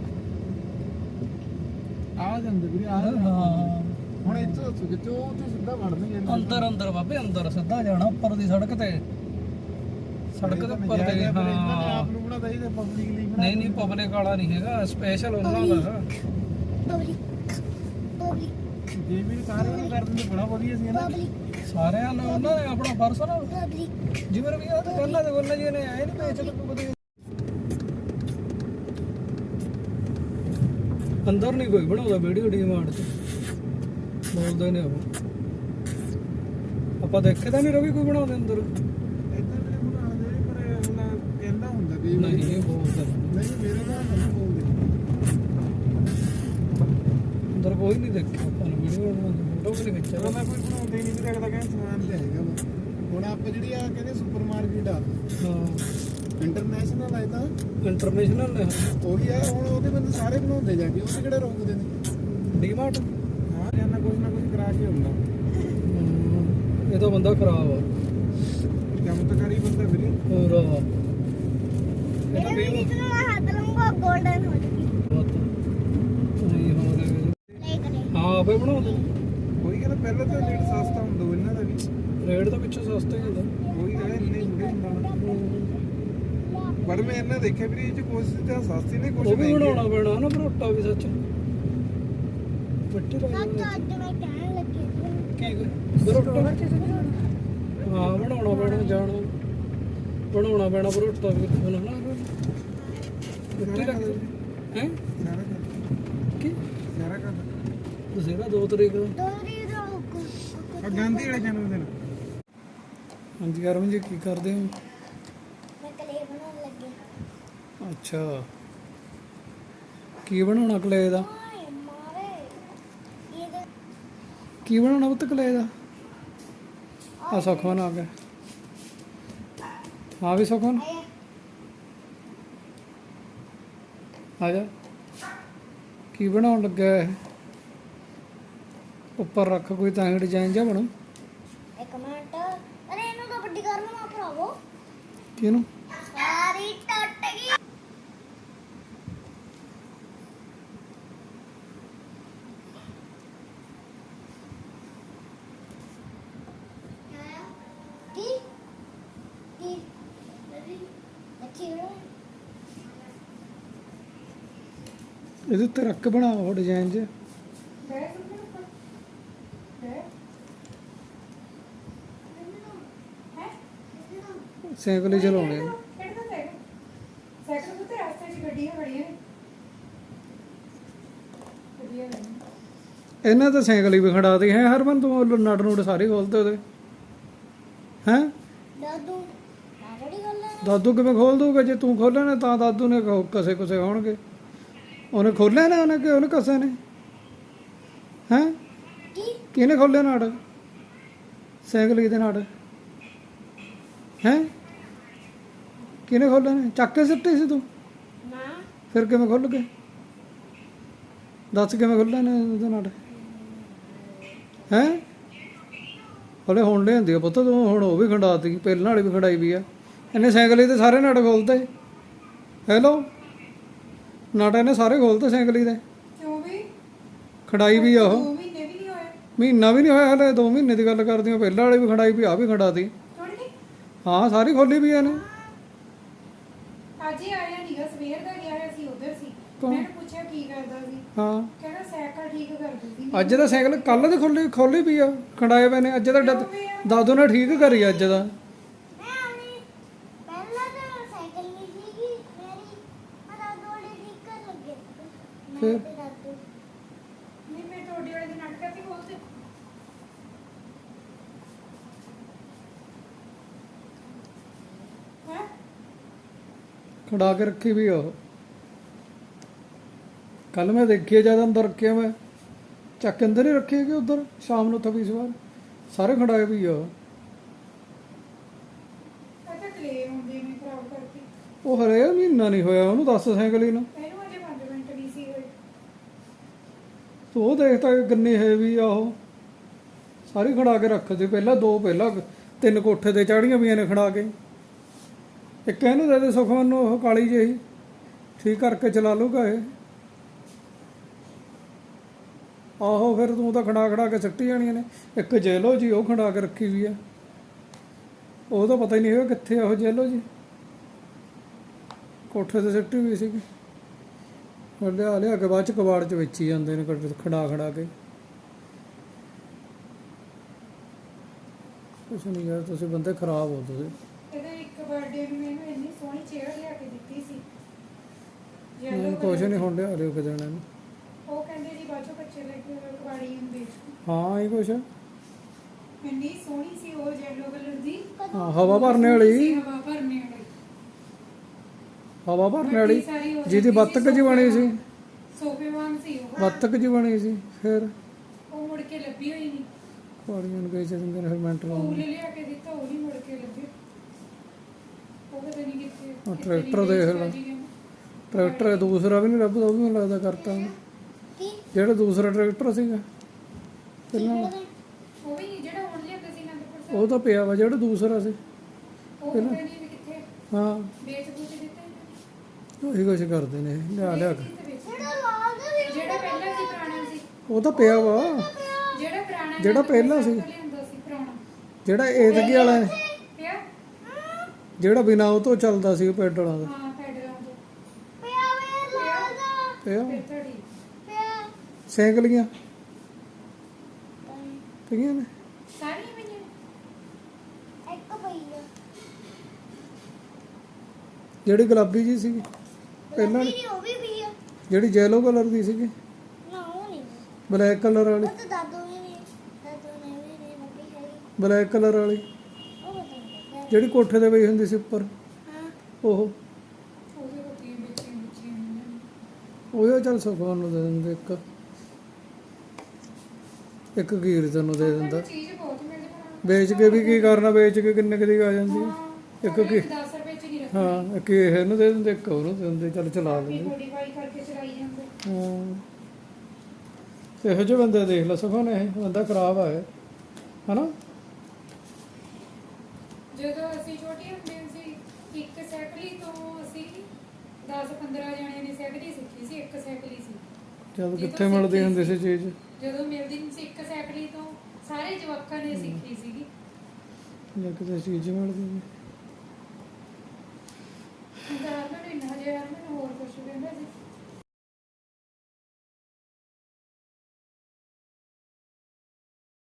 Speaker 3: ਆ ਜਾਂਦੇ ਵੀਰੇ ਆ
Speaker 1: ਹਾਂ
Speaker 3: ਹੁਣ ਇੱਥੋਂ ਕਿਤੇ ਉਹ ਤੇ ਸਿੱਧਾ ਵੜਨਗੇ
Speaker 1: ਅੰਦਰ ਅੰਦਰ ਬਾਬੇ ਅੰਦਰ ਸਿੱਧਾ ਜਾਣਾ ਉੱਪਰ ਦੀ ਸੜਕ ਤੇ, ਸੜਕ ਦੇ ਉੱਪਰ ਤੇ।
Speaker 3: ਇਹਨਾਂ ਨੇ
Speaker 1: ਹਾਂ
Speaker 3: ਆਪ ਨੂੰ ਬਣਾਦਾ ਇਹਦੇ ਪਬਲਿਕ ਲਈ ਬਣਾ
Speaker 1: ਨਹੀਂ ਨਹੀਂ ਪਬਲਿਕ ਵਾਲਾ ਨਹੀਂ ਹੈਗਾ, ਸਪੈਸ਼ਲ ਉਹਨਾਂ ਦਾ।
Speaker 2: ਪਬਲਿਕ ਪਬਲਿਕ
Speaker 3: ਜੇ ਵੀ ਸਾਰੇ ਨੂੰ ਕਰ ਦਿੰਦੇ ਬੜਾ ਵਧੀਆ ਸੀ ਨਾ।
Speaker 2: ਪਬਲਿਕ
Speaker 1: ਸਾਰਿਆਂ ਨੂੰ ਉਹਨਾਂ ਨੇ ਆਪਣਾ ਪਰਸਨਲ
Speaker 2: ਪਬਲਿਕ
Speaker 1: ਜਿਵੇਂ ਵੀ ਆ ਤਾਂ ਪਹਿਲਾਂ ਦੇ ਬੋਲਣਾ ਜੀ ਨੇ ਆਏ ਨਹੀਂ ਪੇਚ ਵਧੀਆ। ਅੰਦਰ ਨਹੀਂ ਕੋਈ ਬਣਾਉਂਦਾ ਵੀਡੀਓ ਡੀਮਾਂਡ ਚ, ਬੋਲਦੇ ਨੇ ਉਹ। ਆਪਾਂ ਦੇਖੇ ਤਾਂ ਨਹੀਂ ਰਵੀ ਕੋਈ ਬਣਾਉਂਦੇ ਅੰਦਰ।
Speaker 3: ਇੱਦਾਂ ਮੇਰੇ ਬਣਾਉਂਦੇ ਨੇ ਪਰ ਉਹਨਾਂ ਕਹਿੰਦਾ ਹੁੰਦਾ ਵੀ
Speaker 1: ਨਹੀਂ ਇਹ ਬੋਲਦਾ
Speaker 3: ਨਹੀਂ ਮੇਰੇ ਨਾਲ ਨਹੀਂ ਬੋਲਦੇ।
Speaker 1: ਅੰਦਰ ਕੋਈ ਨਹੀਂ ਦੇਖਿਆ ਆਪਾਂ ਨੂੰ ਵੀਡੀਓ ਬਣਾਉਂਦੇ, ਫੋਟੋ ਵੀ ਨਹੀਂ
Speaker 3: ਚਲੋ
Speaker 1: ਖਿੱਚਿਆ।
Speaker 3: ਮੈਂ ਕੋਈ ਬਣਾਉਂਦਾ ਹੀ ਨਹੀਂ ਵੀ ਅਗਲਾ ਕਹਿੰਦਾ ਸਮਾਨ ਤੇ ਹੈਗਾ ਵਾ। ਹੁਣ ਆਪਾਂ ਜਿਹੜੀ ਆ ਕਹਿੰਦੇ ਸੁਪਰ ਮਾਰਕੀਟ ਆ
Speaker 1: ਹਾਂ
Speaker 3: ਇੰਟਰਨੈਸ਼ਨਲ ਆ ਤਾਂ
Speaker 1: ਇੰਟਰਨੈਸ਼ਨਲ ਨੇ
Speaker 3: ਉਹੀ ਆ। ਹੁਣ ਉਹਦੇ ਬੰਦੇ ਸਾਰੇ ਬਣਾਉਂਦੇ ਜਾ ਕੇ ਉਹਦੇ ਕਿਹੜੇ ਰੋਕਦੇ ਨੇ।
Speaker 1: ਡੀਮਾਰਟ।
Speaker 3: ਹਾਂ ਜਾਨਾ ਕੁਝ ਨਾ ਕੁਝ ਕਰਾ ਕੇ ਹੁੰਦਾ।
Speaker 1: ਇਹ ਤਾਂ ਬੰਦਾ ਖਰਾਬ ਆ
Speaker 3: ਚਮਤਕਾਰੀ ਬੰਦਾ ਵੀਰੇ।
Speaker 1: ਹੋਰ
Speaker 2: मेरे भी जितना मैं हाथ लूंगा गोल्डन हो जाएगी
Speaker 1: ਨਹੀਂ ਹੋ ਰਿਹਾ
Speaker 2: नहीं करे
Speaker 1: ਹਾਂ ਆਪੇ ਬਣਾਉਂਦੇ
Speaker 3: ਉਹੀ ਕਹਿੰਦਾ ਪਹਿਲਾਂ ਤਾਂ ਰੇਟ ਸਸਤਾ ਹੁੰਦਾ ਵਾ ਇਹਨਾਂ ਦਾ ਵੀ।
Speaker 1: ਰੇਟ ਤਾਂ ਪਿੱਛੋਂ ਸਸਤਾ ਹੀ ਹੁੰਦਾ।
Speaker 3: ਉਹੀ ਕਹਿੰਦਾ ਇੰਨੇ ਥੋੜੇ ਹੁੰਦਾ। ਪਰ ਮੈਂ ਇਹਨਾਂ ਦੇਖਿਆ ਵੀ ਇਹ ਚ ਕੋਸ਼ਿਸ਼ ਤਾਂ ਸਸਤੀ ਨੇ ਕੁਝ
Speaker 1: ਉਹ ਵੀ ਬਣਾਉਣਾ ਪੈਣਾ ਨਾ ਪਰੋਟਾ ਵੀ ਸੱਚ ਮਿੱਟੀ
Speaker 2: सच
Speaker 1: ਦਾ
Speaker 2: आज मैं कहने लगी
Speaker 1: ਕੀ ਪਰੋਟਾ ਹਾਂ ਬਣਾਉਣਾ ਪੈਣਾ ਜਾਣਾ ਬਣਾਉਣਾ ਪੈਣਾ ਪਰੋਟਾ ਵੀ ਬਣਾਉਣਾ ਮਿੱਟੀ ਰੱਖ ਹੈ
Speaker 3: ਸਾਰਾ ਕਰ
Speaker 1: ਕੀ
Speaker 3: ਸਾਰਾ ਕਰ
Speaker 1: ਤੁਸੀਂ ਨਾ ਦੋ ਤਰੀਕ ਦਾ
Speaker 2: दो रीरो को
Speaker 3: ਆ ਗਾਂਧੀ ਵਾਲੇ ਜਨਮ ਦਿਨ।
Speaker 1: ਹਾਂਜੀ ਅਰਵਿੰਦ ਜੀ ਕੀ ਕਰਦੇ ਹੋ?
Speaker 2: मैं कले बनाने लगी
Speaker 1: ਅੱਛਾ ਕੀ ਬਣਾਉਣਾ ਕਲੇ ਦਾ?
Speaker 2: ओए मारे ये तो
Speaker 1: ਕੀ ਬਣਾਉਣਾ ਪੁੱਤ ਕਲੇ ਦਾ? ਆ ਸੁਖਮਨ ਆ ਗਿਆ। ਹਾਂ ਵੀ ਸੁਖਮਨ
Speaker 2: आया
Speaker 1: ਆ ਜਾ। ਕੀ ਬਣਾਉਣ ਲੱਗਾ ਹੈ? ਉੱਪਰ ਰੱਖ ਕੋਈ ਤਾਂ ਡਿਜ਼ਾਈਨ ਜਿਹਾ ਬਣੂ।
Speaker 2: एक मिनट अरे इन्हों तो बड्डी कर लो आप भरावो
Speaker 1: ਕਿਹਨੂੰ?
Speaker 2: सारी टट गई की की अच्छी है
Speaker 1: ਇਹਦੇ ਉੱਤੇ ਰੱਖ ਕੇ ਬਣਾਓ ਡਿਜ਼ਾਈਨ ਜਿਹਾ। ਸਾਈਕਲ ਹੀ ਚਲਾਉਣੇ ਆ।
Speaker 4: ਸਾਈਕਲ ਤੇ ਰਸਤੇ 'ਚ ਗੱਡੀਆਂ ਖੜੀਆਂ ਨੇ ਗੱਡੀਆਂ ਨੇ
Speaker 1: ਇਹਨਾਂ ਤਾਂ ਸਾਈਕਲ ਹੀ ਵੀ ਖੜਾ ਦੇ ਹੈ ਹਰਮਨ ਤੂੰ ਉਹ ਨਟ ਨੂਟ ਸਾਰੇ ਖੋਲਦੇ ਉਹਦੇ ਹੈ।
Speaker 2: दादू नागड़ी कर ले
Speaker 1: ਦਾਦੂ ਕਿਵੇਂ ਖੋਲ ਦੂਗਾ? ਜੇ ਤੂੰ ਖੋਲੇ ਨੇ ਤਾਂ ਦਾਦੂ ਨੇ ਕਹੋ ਕਸੇ ਕੁਸੇ ਹੋਣਗੇ। ਉਹਨੇ ਖੋਲੇ ਨੇ ਉਹਨੇ ਕਿ ਉਹਨੇ ਕਸੇ ਨੇ ਹੈ?
Speaker 2: की
Speaker 1: ਕਿਹਨੇ ਖੋਲੇ ਨਾੜ ਸਾਈਕਲ ਦੇ ਨਾੜ ਹੈ? ਕਿਹਨੇ ਖੋਲੇ ਨੇ? ਚੱਕ ਕੇ ਸਿੱਟੇ ਸੀ ਤੂੰ?
Speaker 2: ना
Speaker 1: ਫਿਰ ਕਿਵੇਂ ਖੁੱਲ ਗਏ? ਦੱਸ ਕਿਵੇਂ ਖੁੱਲੇ ਨੇ ਉਹਦੇ ਨਾੜ ਹੈ? ਹਲੇ ਹੁਣ ਲਿਆਂਦੀ ਆ ਪੁੱਤ ਤੂੰ, ਹੁਣ ਉਹ ਵੀ ਖੰਡਾਤੀ, ਪਹਿਲਾਂ ਵਾਲੀ ਵੀ ਖੰਡਾਈ ਵੀ ਆ। ਇਹਨੇ ਸਾਈਕਲ ਹੀ ਤੇ ਸਾਰੇ ਨਟ ਖੋਲਤੇ। ਹੈਲੋ ਨਟ ਇਹਨੇ ਸਾਰੇ ਖੋਲਤੇ ਸਾਈਕਲ ਹੀ ਦੇ।
Speaker 4: ਕਿਉਂ ਵੀ
Speaker 1: ਖੰਡਾਈ ਵੀ ਆ ਉਹ।
Speaker 4: ਦੋ ਮਹੀਨੇ ਵੀ ਨਹੀਂ ਹੋਏ
Speaker 1: ਮਹੀਨਾ ਵੀ ਨਹੀਂ ਹੋਇਆ ਹਲੇ, ਦੋ ਮਹੀਨੇ ਦੀ ਗੱਲ ਕਰਦੀ ਹਾਂ। ਪਹਿਲਾਂ ਵਾਲੀ ਵੀ ਖੰਡਾਈ ਵੀ ਆ ਵੀ ਖੰਡਾਤੀ।
Speaker 4: ਥੋੜੀ
Speaker 1: ਹਾਂ ਸਾਰੀ ਖੋਲੀ ਵੀ ਇਹਨੇ।
Speaker 4: ਅੱਜ ਹੀ ਆਇਆ ਨੀਗਾ, ਸਵੇਰ ਦਾ ਗਿਆ ਹੋਇਆ ਸੀ ਉਧਰ ਸੀ।
Speaker 1: ਕੌਣ?
Speaker 4: ਮੈਂ ਪੁੱਛਿਆ ਕੀ ਕਰਦਾ ਸੀ,
Speaker 1: ਹਾਂ
Speaker 4: ਕਹਿੰਦਾ ਸਾਈਕਲ ਠੀਕ ਕਰਦਾ ਸੀ।
Speaker 1: ਅੱਜ ਦਾ ਸਾਈਕਲ ਕੱਲ ਦੇ ਖੋਲੀ ਖੋਲੀ ਵੀ ਆ, ਖੰਡਾਏ ਪਏ ਨੇ। ਅੱਜ ਦਾ ਡੱਦ- ਦਾਦੂ ਨੇ ਠੀਕ ਕਰੀ ਅੱਜ ਦਾ।
Speaker 2: मैं अभी पहला तो साइकिल नहीं सीखी मेरी मैं दादू वाली ठीक कर लगे मैं
Speaker 1: फिर?
Speaker 2: पे दादू
Speaker 4: ਨਹੀਂ ਮੈਂ ਤੁਹਾਡੇ ਵਾਲੇ ਦੇ ਨਾਟਕਾਂ ਤੇ ਖੋਲਦੇ ਹੈ
Speaker 1: ਖੜਾ ਕੇ ਰੱਖੀ ਵੀ ਆ ਉਹ। ਕੱਲ ਮੈਂ ਦੇਖੀ ਜਦ ਅੰਦਰ ਰੱਖਿਆ ਮੈਂ ਚੱਕ ਕੇ ਅੰਦਰ ਹੀ ਰੱਖੀ ਹੈਗੀ ਉਧਰ। ਸ਼ਾਮ ਨੂੰ ਥੱਬੀ ਸਵਾਰ ਸਾਰੇ ਖੜਾਏ ਵੀ ਆ।
Speaker 4: ਅੱਛਾ ਕਲੇ ਹੁੰਦੇ ਨੇ ਖਰਾਬ ਕਰਕੇ।
Speaker 1: ਉਹ ਹਰੇ ਮਹੀਨਾ ਨਹੀਂ ਹੋਇਆ ਉਹਨੂੰ, ਦੱਸ ਸਾਈਕਲ ਹੀ ਨੂੰ।
Speaker 4: ਇਹਨੂੰ ਅਜੇ ਪੰਜ ਮਿੰਟ
Speaker 1: ਤੂੰ ਉਹ ਦੇਖਦਾ ਕਿੰਨੀ ਹੈਵੀ ਆ ਉਹ, ਸਾਰੀ ਖੜਾ ਕੇ ਰੱਖਦੇ ਪਹਿਲਾਂ ਦੋ ਪਹਿਲਾਂ ਤਿੰਨ ਕੋਠੇ ਤੇ ਚਾੜੀਆਂ ਪਈਆਂ ਨੇ ਖੜਾ ਕੇ। ਇੱਕ ਇਹਨੂੰ ਦੇ ਦੇ ਸੁਖਮਨ ਨੂੰ ਉਹ ਕਾਲੀ ਜਿਹੀ, ਠੀਕ ਕਰਕੇ ਚਲਾ ਲੂਗਾ ਇਹ। ਆਹੋ ਫਿਰ ਤੂੰ ਤਾਂ ਖੜਾ ਖੜਾ ਕੇ ਸਿੱਟੀ ਜਾਣੀਆਂ ਨੇ। ਇੱਕ ਜੈਲੋ ਜੀ ਉਹ ਖੜਾ ਕੇ ਰੱਖੀ ਵੀ ਆ, ਉਹ ਤਾਂ ਪਤਾ ਹੀ ਨਹੀਂ ਹੈਗਾ ਕਿੱਥੇ ਆ ਉਹ ਜੈਲੋ ਜੀ, ਕੋਠੇ ਤੇ ਸਿੱਟੀ ਹੋਈ ਸੀਗੀ। ਲਿਆ ਲਿਆ ਕੇ ਬਾਅਦ ਚ ਕਬਾੜ ਚ ਵੇਚੀ ਜਾਂਦੇ ਨੇ ਖੜਾ ਖੜਾ ਕੇ। ਕੁਛ ਨਹੀਂ ਯਾਰ, ਤੁਸੀਂ ਬੰਦੇ ਖਰਾਬ ਹੋ ਤੁਸੀਂ।
Speaker 4: ਇਹਦੇ ਇੱਕ ਬਰਥਡੇ ਨੂੰ ਮੈਨੂੰ ਇੰਨੀ ਸੋਹਣੀ ਚੇਅਰ ਲਿਆ ਕੇ ਦਿੱਤੀ ਸੀ,
Speaker 1: ਮੈਨੂੰ ਕੁਛ ਨਹੀਂ ਹੁਣ ਲਿਆ ਲਿਓ ਕਿਤੇ ਨੂੰ।
Speaker 4: ਉਹ ਕਹਿੰਦੇ ਜੀ ਬਾਜੋ ਬੱਚੇ ਲੈ ਕੇ ਕਬਾੜੀ ਹੁੰਦੇ।
Speaker 1: ਹਾਂ ਇਹ ਕੁਛ
Speaker 4: ਇੰਨੀ ਸੋਹਣੀ ਸੀ ਉਹ ਯੈਲੋ ਕਲਰ ਦੀ,
Speaker 1: ਹਾਂ ਹਵਾ ਭਰਨੇ ਵਾਲੀ,
Speaker 4: ਹਵਾ ਭਰਨੇ ਵਾਲੀ,
Speaker 1: ਹਵਾ ਭਰਨੇ ਵਾਲੀ
Speaker 4: ਵੱਡੀ ਸਾਰੀ ਹੋ
Speaker 1: ਜਿਹਦੀ
Speaker 4: ਜਾਂਦੀ
Speaker 1: ਬੱਤਕ ਜੀ ਬਣੀ ਸੀ,
Speaker 4: ਸੋਫੇ ਵਾਂਗ ਸੀ ਉਹ।
Speaker 1: ਬੱਤਕ ਜੀ ਬਣੀ ਸੀ। ਫਿਰ
Speaker 4: ਉਹ ਮੁੜ ਕੇ ਲੱਭੀ ਹੋਈ ਨਹੀਂ।
Speaker 1: ਕੁਆੜੀਆਂ ਨੂੰ ਗਏ ਚੰਗੇ ਨੇ ਫਿਰ ਮਿੰਟ
Speaker 4: ਉਹ
Speaker 1: ਲਾਉਂਦੇ।
Speaker 4: ਲਿਆ ਕੇ ਦਿੱਤਾ, ਉਹ ਨਹੀਂ ਮੁੜ ਕੇ ਲੱਭੀ। ਉਹ ਪਤਾ ਨਹੀਂ ਕਿੱਥੇ।
Speaker 1: ਉਹ ਟਰੈਕਟਰ ਦੇਖ ਲੈ, ਟਰੈਕਟਰ ਦੂਸਰਾ ਵੀ ਨਹੀਂ ਲੱਭਦਾ, ਉਹ ਵੀ ਮੈਨੂੰ ਲੱਗਦਾ ਕਰਤਾ ਉਹਨੇ।
Speaker 2: ਕੀ
Speaker 1: ਜਿਹੜਾ ਦੂਸਰਾ ਟਰੈਕਟਰ ਸੀਗਾ ਪਹਿਲਾਂ ਵਾਲਾ,
Speaker 4: ਉਹ ਵੀ ਜਿਹੜਾ ਹੁਣ ਲਿਆਂਦਾ ਸੀ ਅਨੰਦਪੁਰ ਸਾਹਿਬ,
Speaker 1: ਉਹ ਤਾਂ ਪਿਆ ਵਾ। ਜਿਹੜਾ ਦੂਸਰਾ ਸੀ
Speaker 4: ਉਹ ਪਤਾ ਨਹੀਂ ਵੀ ਕਿੱਥੇ
Speaker 1: ਹਾਂ,
Speaker 4: ਵੇਚ ਬੂਚ ਦਿੱਤਾ ਇਹਨਾਂ
Speaker 1: ਉਹੀ ਕੁਛ ਕਰਦੇ ਨੇ ਲਿਆ ਲਿਆ ਕੇ।
Speaker 4: ਨੇ। ਕਿੱਥੇ ਵੇਚ-
Speaker 2: ਜਿਹੜਾ ਲਾਲ ਦਾ ਵੀ
Speaker 4: ਜਿਹੜਾ ਪਹਿਲਾਂ ਸੀ ਪੁਰਾਣਾ ਸੀ,
Speaker 1: ਉਹ ਤਾਂ ਪਿਆ ਵਾ,
Speaker 4: ਜਿਹੜਾ ਪੁਰਾਣਾ
Speaker 1: ਜਿਹੜਾ ਪਹਿਲਾਂ ਸੀ,
Speaker 4: ਲਿਆਂਦਾ ਸੀ ਪੁਰਾਣਾ
Speaker 1: ਜਿਹੜਾ ਏਦਗੀ ਵਾਲਾ ਹੈ,
Speaker 4: ਪਿਆ।
Speaker 1: ਜਿਹੜਾ ਬਿਨਾਂ ਉਹ ਤੋਂ ਚੱਲਦਾ ਸੀ ਪੈਡਲਾਂ ਦਾ
Speaker 4: ਹਾਂ ਪੈਡਲਾਂ ਤੋਂ
Speaker 2: ਪਿਆ ਵੇ ਲਾਲ ਦਾ
Speaker 1: ਪਿਆ।
Speaker 4: ਫਿਰ ਤੁਹਾਡੀ
Speaker 2: ਪਿਆ
Speaker 1: ਸਾਈਕਲੀਆਂ ਪਈਆਂ ਨੇ,
Speaker 4: ਸਾਰੀਆਂ ਪਈਆਂ।
Speaker 2: ਇੱਕ ਪਈ ਆ
Speaker 1: ਜਿਹੜੀ ਗੁਲਾਬੀ ਜੀ ਸੀਗੀ ਪਹਿਲਾਂ ਵਾਲੀ,
Speaker 2: ਮੇਰੀ ਉਹ ਵੀ ਪਈ ਆ
Speaker 1: ਜਿਹੜੀ ਯੈਲੋ ਕਲਰ ਦੀ ਸੀਗੀ,
Speaker 2: ਨਾ ਉਹ ਨਹੀਂ
Speaker 1: ਬਲੈਕ ਕਲਰ ਵਾਲੀ,
Speaker 2: ਉਹ ਤਾਂ ਦਾਦੂ ਵੀ ਨਹੀਂ ਦਾਦੂ ਨੇ ਵੀ ਨਹੀਂ ਲੱਗੀ ਹੈ
Speaker 1: ਬਲੈਕ ਕਲਰ ਵਾਲੀ
Speaker 2: ਉਹ ਪਤਾ ਨਹੀਂ
Speaker 1: ਜਿਹੜੀ ਕੋਠੇ ਤੇ ਪਈ ਹੁੰਦੀ ਸੀ ਉੱਪਰ,
Speaker 2: ਹਾਂ
Speaker 1: ਉਹ
Speaker 4: ਉਹਦੇ ਕੋਲ ਬੱਚੇ ਬੱਚੇ
Speaker 1: ਉਹ ਚੱਲ ਸੁਖਵਾਨ ਨੂੰ ਦੇ ਦਿੰਦੇ। ਇੱਕ ਇੱਕ ਗੀਰ ਤੈਨੂੰ ਦੇ ਦਿੰਦਾ।
Speaker 4: ਚੀਜ਼ ਬਹੁਤ ਮਿਲਦੀ ਪਰ
Speaker 1: ਵੇਚ ਕੇ ਵੀ ਕੀ ਕਰਨਾ, ਵੇਚ ਕੇ ਕਿੰਨੇ ਕੁ ਦੀ ਆ ਜਾਂਦੀ ਹੈ। ਇੱਕ ਕੀ
Speaker 4: ਦਸ ਰੁਪਏ ਚ ਨਹੀਂ ਰੱਖੀ।
Speaker 1: ਹਾਂ, ਇੱਕ ਇਹਨੂੰ ਦੇ ਦਿੰਦੇ, ਇੱਕ ਉਹਨੂੰ ਦੇ ਦਿੰਦੇ, ਚੱਲ ਚਲਾ ਲੈਂਦੇ।
Speaker 4: ਮੋਡੀਫਾਈ ਕਰਕੇ ਚਲਾਈ ਜਾਂਦੇ।
Speaker 1: ਹਾਂ, ਇਹੋ ਜਿਹੇ ਬੰਦੇ ਦੇਖ ਲੈ ਸੁਖਵਾਨ, ਇਹ ਬੰਦਾ ਖਰਾਬ ਆ ਇਹ, ਹਨਾ।
Speaker 4: ਜਦੋਂ ਅਸੀਂ ਛੋਟੇ ਹੁੰਦੇ ਸੀ, ਇੱਕ ਸਾਈਕਲੀ ਤੋਂ ਅਸੀਂ ਦਸ ਪੰਦਰਾਂ ਜਣਿਆਂ ਨੇ ਸਾਈਕਲੀ ਸਿੱਖੀ ਸੀ। ਇੱਕ ਸਾਈਕਲੀ ਸੀ
Speaker 1: ਜਦ ਕਿੱਥੇ ਮਿਲਦੀ ਹੁੰਦੀ ਸੀ ਚੀਜ਼,
Speaker 4: ਜਦੋਂ ਮਿਲਦੀ ਨਹੀਂ ਸੀ, ਇੱਕ ਸਾਈਕਲੀ ਤੋਂ ਸਾਰੇ ਜਵਾਕਾਂ ਨੇ ਸਿੱਖੀ ਸੀਗੀ।
Speaker 1: ਜਾਂ ਕਿਤੇ ਚੀਜ਼ ਮਿਲਦੀ ਸੀ।
Speaker 4: ਹਜ਼ਾਰ ਮੈਨੂੰ ਇੰਨਾ ਹਜ਼ਾਰ ਮੈਨੂੰ ਹੋਰ ਕੁਝ ਕਹਿੰਦਾ ਸੀ।